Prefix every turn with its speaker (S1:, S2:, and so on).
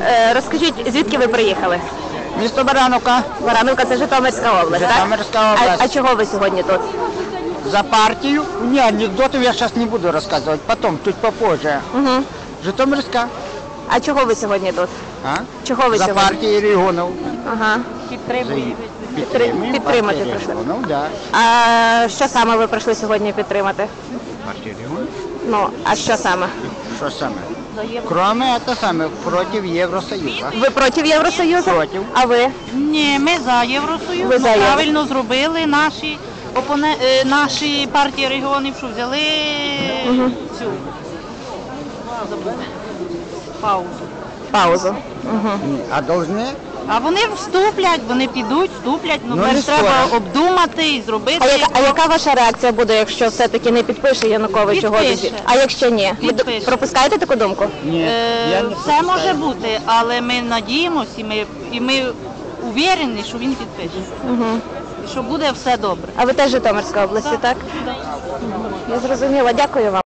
S1: Розкажіть, звідки ви приїхали?
S2: Місто Барановка.
S1: Барановка – це Житомирська область, так?
S2: Житомирська область.
S1: А чого ви сьогодні тут?
S2: За партию. Не, анекдотов я сейчас не буду рассказывать, потом, чуть попозже.
S1: Угу.
S2: Житомирська.
S1: А чого ви сьогодні тут?
S2: А?
S1: Чого ви
S2: За
S1: сьогодні?
S2: партію регіонів.
S1: Ага. Підтримати
S2: партію
S1: прийшли.
S2: регіонів, да.
S1: А що саме ви прийшли сьогодні підтримати?
S2: Партію регіонів.
S1: Ну, а що саме?
S2: Що саме? Кроме це саме, проти Євросоюзу.
S1: Ви проти Євросоюзу?
S2: Проти.
S1: А ви?
S3: Ні, ми за Євросоюз.
S1: Ви за
S3: Ми
S1: Євро-
S3: правильно зробили наші партії регіонів, що взяли цю паузу.
S1: Паузу. Угу.
S2: А должны?
S3: А вони вступлять, вони підуть, вступлять,
S2: Ну,
S3: перш
S2: і
S3: треба
S2: скоро.
S3: обдумати і зробити.
S1: А яка ваша реакція буде, якщо все-таки не підпише Янукович угоду?
S3: Підпише.
S1: А якщо ні? Ви
S3: Підпише.
S1: пропускаєте таку думку?
S2: Ні. Я не
S3: Все може бути, але ми надіємося і ми уверені, що він підпише.
S1: Угу.
S3: І що буде все добре.
S1: А ви теж Житомирська області, так? Я зрозуміла. Дякую вам.